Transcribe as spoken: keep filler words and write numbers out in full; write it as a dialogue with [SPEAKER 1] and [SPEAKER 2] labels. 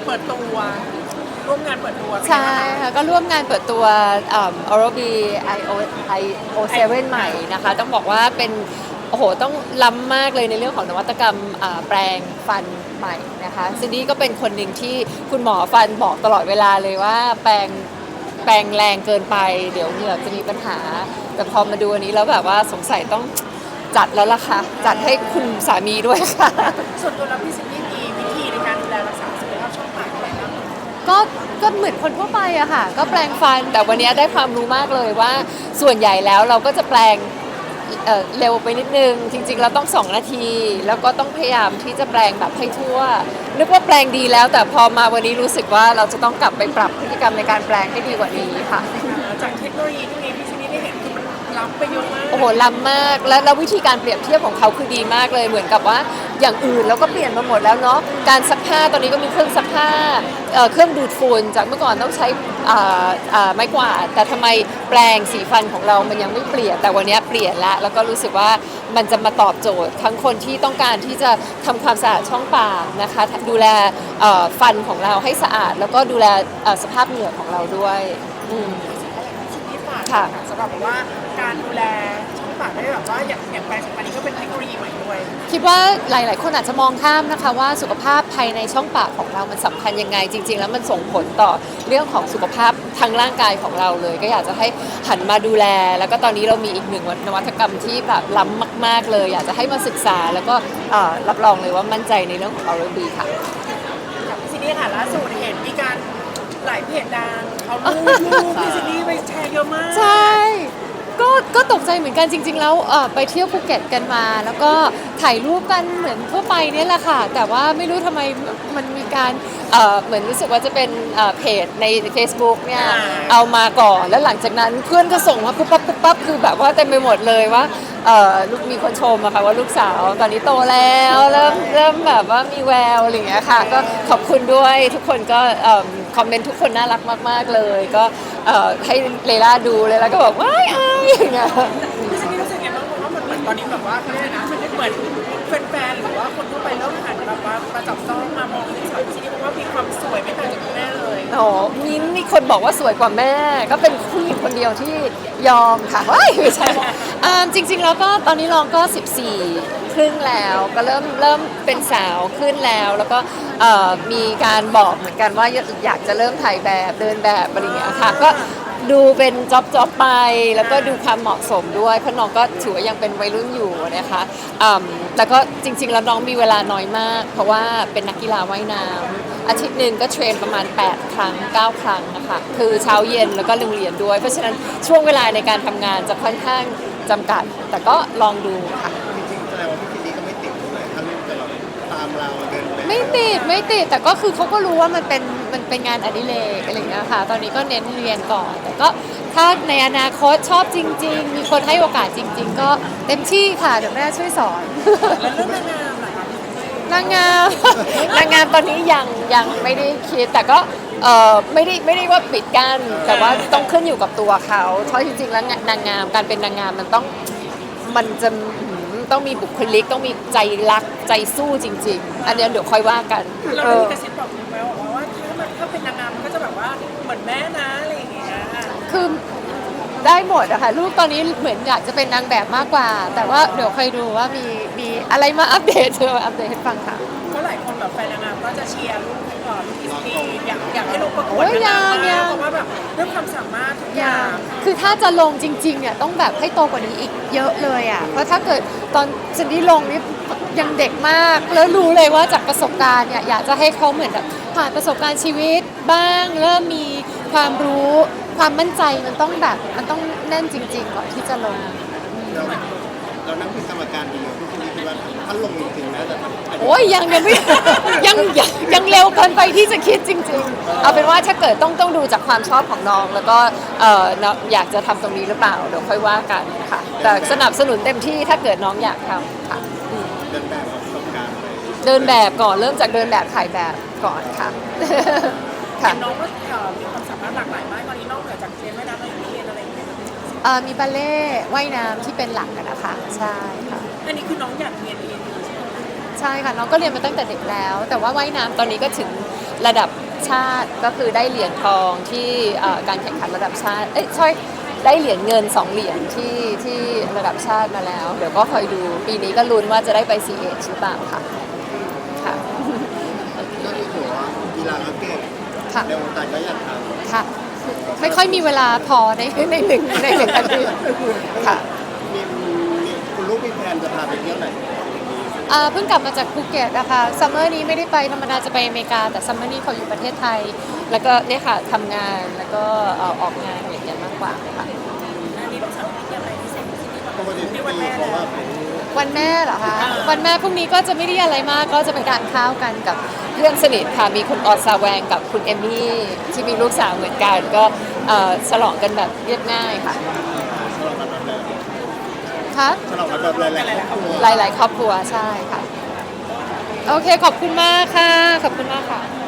[SPEAKER 1] ปิดตัวร่วมงานเปิดตัว
[SPEAKER 2] ใช่ค่ะก็ร่วมงานเปิดตัวเอ่อ Oral-B ไอ โอ ไอ โอ เซเว่น ใหม่นะคะต้องบอกว่าเป็นโอ้โหต้องล้ำมากเลยในเรื่องของนวัตกรรมอ่าแปลงฟันใหม่นะคะซินดี้ก็เป็นคนหนึ่งที่คุณหมอฟันบอกตลอดเวลาเลยว่าแปลงแปลงแรงเกินไปเดี๋ยวเหงือกจะมีปัญหาแต่พอมาดูอันนี้แล้วแบบว่าสงสัยต้องจัดแล้วล่ะค่ะจัดให้คุณสามีด้วยค่ะ
[SPEAKER 1] ส่วนตัวแล้วพี่ซินดี้มีวิธีในการดูแลรักษาสุขภาพช่องปากอะไรบ้าง
[SPEAKER 2] ก็ก็เหมือนคนทั่วไปอะค่ะก็แปลงฟันแต่วันนี้ได้ความรู้มากเลยว่าส่วนใหญ่แล้วเราก็จะแปลงเอ่อเร็วไปนิดนึงจริงๆเราต้องสองนาทีแล้วก็ต้องพยายามที่จะแปลงแบบให้ทั่วนึกว่าแปลงดีแล้วแต่พอมาวันนี้รู้สึกว่าเราจะต้องกลับไปปรับพฤติกรรมในการแปลงให้ดีกว่านี้ค่ะ
[SPEAKER 1] จากเทคโนโลยีที่มีพี่ซินดี้ได้เห็นคือมันล้ำไปเยอะมาก
[SPEAKER 2] โอ้โหล้ำมากและแล้ววิธีการเปรียบเทียบของเขาคือดีมากเลยเหมือนกับว่าอย่างอื่นเราก็เปลี่ยนมาหมดแล้วเนาะการซักผ้าตอนนี้ก็มีเครื่องซักผ้าเอ่อเครื่องดูดฝุ่นจากเมื่อก่อนต้องใช้อ่าอ่าไม้กวาดแต่ทำไมแปลงสีฟันของเรามันยังไม่เปลี่ยนแต่วันนี้เปลี่ยนแล้วแล้วก็รู้สึกว่ามันจะมาตอบโจทย์ทั้งคนที่ต้องการที่จะทำความสะอาดช่องปากนะคะดูแลเอ่อฟันของเราให้สะอาดแล้วก็ดูแลเอ่อสภาพเหงือกของเราด้วยอืม
[SPEAKER 1] ซินดี้ฝาก
[SPEAKER 2] ค่ะ
[SPEAKER 1] สำหรับแบบว่าการดูแลช่องปากได้แบบว่าอย่างอย่างแปลงสัมพันธ์นี้ก็เป็นเทคโนโลยีใหม่ด้วย
[SPEAKER 2] คิดว่าหลาย ๆ คนอาจจะมองข้ามนะคะว่าสุขภาพภายในช่องปากของเรามันสำคัญยังไงจริง ๆ แล้วมันส่งผลต่อเรื่องของสุขภาพทางร่างกายของเราเลย ก็อยากจะให้หันมาดูแล แล้วก็ตอนนี้เรามีอีกหนึ่งนวัตกรรมที่แบบล้ำมาก ๆ เลย อยากจะให้มาศึกษาแล้วก็เอ่อรับรองเลยว่ามั่นใจในเรื่องของ Oral-B ค่ะ
[SPEAKER 1] กับพี่ซินดี้ค่ะล่าสุดเห็นมีการหลายเพจดังเขารูปรูปพี่ซินดี้ไปแชร์เยอะมาก
[SPEAKER 2] ใช่ ก็ก็ตกใจเหมือนกันจริง ๆ แล้วเอ่อไปเที่ยวภูเก็ตกันมา แล้วก็ถ่ายรูปกันเหมือนทั่วไปเนี่ยแหละค่ะ แต่ว่าไม่รู้ทำไมมันมีการเอ่อเหมือนรู้สึกว่าจะเป็นเอ่อเพจใน Facebook เนี่ยเอามาก่อนแล้วหลังจากนั้นเพื่อนก็ส่งมาปุ๊บปั๊บปุ๊บปั๊บคือแบบว่าเต็มไปหมดเลยว่าเอ่อลูกมีคนชมอะค่ะว่าลูกสาวตอนนี้โตแล้วเริ่มเริ่มแบบว่ามีแววอะไรอย่างเงี้ยค่ะก็ขอบคุณด้วยทุกคนก็เอิ่มคอมเมนต์ทุกคนน่ารักมากๆเลยก็เอ่อให้เลล่าดูเลยแล้วก็บอกว้ายอายอย่างเงี้ย
[SPEAKER 1] พี่ซินดี้รู้สึกยังไงบ้างเพราะว่ามันเหมือนตอนนี้แบบว่าเขาเรียกอะไรนะมันเหมือนแฟนๆหรือว่าคนทั่วไปเริ่มหันแบบว่ามาจับจ้องมามองที่สาวพี่ซินดี้เพราะว่ามีความสวยไม่ต่างจากคุณแม่เลย
[SPEAKER 2] โอ้มีมีคนบอกว่าสวยกว่าแม่ ก็เป็นผู้หญิงคนเดียวที่ยอมค่ะว้ายไม่ใช่อ่าจริง ๆ แล้วก็ตอนนี้ลองก็สิบสี่ครึ่งแล้วก็เริ่มเริ่มเป็นสาวขึ้นแล้ว แล้วก็เอ่อมีการบอกเหมือนกันว่าอยากจะเริ่มถ่ายแบบเดินแบบอะไรอย่างเงี้ยค่ะก็ดูเป็นจ็อบจ็อบไปแล้วก็ดูความเหมาะสมด้วยเพราะน้องก็ถือว่ายังเป็นวัยรุ่นอยู่นะคะอืมแต่ก็จริง ๆ แล้วน้องมีเวลาน้อยมาก เพราะว่าเป็นนักกีฬาว่ายน้ำอาทิตย์หนึ่งก็เทรนประมาณแปดครั้งเก้าครั้งนะคะคือเช้าเย็นแล้วก็โรงเรียนด้วย เพราะฉะนั้นช่วงเวลาในการทำงานจะค่อนข้างจำกัด แต่ก็ลองดูค่ะ
[SPEAKER 3] จริงๆแสดงว่าพี่ซินดี้ก็ไม่ติดเลยถ้าลูกจะแบบตามเราเดินแบบ
[SPEAKER 2] ไม่ติดไม่ติดแต่ก็คือเขาก็รู้ว่ามันเป็นมันเป็นงานอดิเรกอะไรอย่างเงี้ยค่ะตอนนี้ก็เน้นเรียนก่อน แต่ก็ถ้าในอนาคตชอบจริง ๆ มีคนให้โอกาสจริง ๆ ก็เต็มที่ค่ะเดี๋ยวแม่ช่วยสอน
[SPEAKER 1] แล้วเรื่องนางงามล่ะคะพี่ซินดี้
[SPEAKER 2] นางงาม นางงามตอนนี้ยังยังไม่ได้คิดแต่ก็เออไม่ได้ไม่ได้ว่าปิดกั้นแต่ว่าต้องขึ้นอยู่กับตัวเขาเพราะจริงๆแล้วนางงามการเป็นนางงามมันต้องมันจะหืมต้องมีบุคลิกต้องมีใจรักใจสู้จริง ๆ อันเนี้ยเดี๋ยวค่อยว่ากัน
[SPEAKER 1] เรา
[SPEAKER 2] เอ
[SPEAKER 1] ได้
[SPEAKER 2] อ
[SPEAKER 1] มีกระซิบบอกคุณไหมว่าว่าถ้ามันถ้าเป็นนางงามมันก็จะแบบว่าเหมือนแม่นะอะไรอย่างเงี้ย
[SPEAKER 2] คือได้หมดอะค่ะลูกตอนนี้เหมือนอยากจะเป็นนางแบบมากกว่า แต่ว่าเดี๋ยวค่อยดูว่ามีมีอะไรมาอัปเดตเธอมาอัปเดตให้ฟังค่ะ
[SPEAKER 1] ก็หลายคนแบบแฟนนางงามก็จะเชียร์ลูกก่อนลูกอีสตีอยากอยากให้ลูกประกวด
[SPEAKER 2] โอ้ย
[SPEAKER 1] นางงาม
[SPEAKER 2] ยังยั
[SPEAKER 1] มาก
[SPEAKER 2] ง
[SPEAKER 1] เพราะว่าแบบเรื่องความสามารถทุกอย่าง
[SPEAKER 2] คือถ้าจะลงจริงๆเนี่ยต้องแบบให้โตกว่านี้อีกเยอะเลยอ่ะ เพราะถ้าเกิดตอนซินดี้ลงนี่ยังเด็กมาก แล้วรู้เลยว่าจากประสบการณ์เนี่ยอยากจะให้เขาเหมือนแบบผ่านประสบการณ์ชีวิตบ้างเริ่มมีความรู้ความมั่นใจมันต้องแบบมันต้องแน่นจริงๆก่อนที่จะลง
[SPEAKER 3] เราเรานั่งเป็นกรรมการดีพี่ซินดี้คิดว่าถ้าลงจริงๆนะจะ
[SPEAKER 2] โอ้ยยังยังไม่ ยังยังยังเร็วเกินไปที่จะคิดจริง ๆ เอาเป็นว่าถ้าเกิดต้องต้องดูจากความชอบของน้อง แล้วก็เอ่อน้องอยากจะทำตรงนี้หรือเปล่าเดี๋ยวค่อยว่ากันค่ะ แต่สนับสนุนเต็มที่ถ้าเกิดน้องอยากทำค่ะอืม
[SPEAKER 3] เดินแบบประสบการณ์เลย
[SPEAKER 2] เดินแบบก่อนเริ่มจากเดินแบบถ่ายแบบก่อนค่ะ ค่ะ
[SPEAKER 1] เห็นน้องก็เอ่อมีความสามารถหลากหลายมากตอนนี้นอกเหนือจากเรียนว่ายน้ำแล้วยังเรียนอะไรอีกไหมคะ
[SPEAKER 2] เอ่อมีบัลเล่ต์ว่ายน้ำที่เป็นหลักอะนะคะใช่ค่ะ
[SPEAKER 1] อันนี้คือน้องอยากเรียนเองอยู่ใช่ไหม
[SPEAKER 2] ใช่ค่ะน้องก็เรียนมาตั้งแต่เด็กแล้ว แต่ว่าว่ายน้ำตอนนี้ก็ถึงระดับชาติก็คือได้เหรียญทองที่เอ่อการแข่งขันระดับชาติเอ้ยใช่ได้เหรียญเงินสองเหรียญที่ที่ระดับชาติมาแล้ว เดี๋ยวก็คอยดูปีนี้ก็ลุ้นว่าจะได้ไป ซี เอช หรือเปล่าค่ะค่ะ
[SPEAKER 3] ก็คือถือว่ากีฬาก็เก่ง
[SPEAKER 2] ค่ะ
[SPEAKER 3] ในวงการก็อยากท
[SPEAKER 2] ค่ะ ไม่ค่อยมีเวลาพอในในหนึ่งในหนึ่งอาทิตย์ค่ะ
[SPEAKER 3] ำมีมีคุณลูกมีแพลนจะพาไปเที่ยวไหน
[SPEAKER 2] อ่าเพิ่งกลับมาจากภูเก็ตนะคะซัมเมอร์นี้ไม่ได้ไปธรรมดาจะไปอเมริกา แต่ซัมเมอร์นี้เขาอยู่ประเทศไทย แล้วก็เนี่ยค่ะทำงานแล้วก็เอ่อออกงานอย่างเงี้ยมากกว่าค่ะ
[SPEAKER 1] อันนี้ต้องสั่งที่อะไรพิเศษที่นี่
[SPEAKER 3] ปกติทุกปีเพราะว่าเป็น
[SPEAKER 2] วันแม่เหรอคะวันแม่พรุ่งนี้ก็จะไม่ได้อะไรมากก็จะเป็นการข้าวกันกับเพื่อนสนิทค่ะมีคุณออซาแวงกับคุณเอมมี่ที่มีลูกสาวเหมือนกันก็เอ่อฉลองกันแบบเรียบง่ายค่ะ
[SPEAKER 3] ฉลองกันแบบไหน
[SPEAKER 2] ค่ะ
[SPEAKER 3] ฉลองกันแบบหลายๆครอบครัว
[SPEAKER 2] หลาย ๆ ครอบครัวใช่ค่ะ โอเคขอบคุณมากค่ะ ขอบคุณมากค่ะ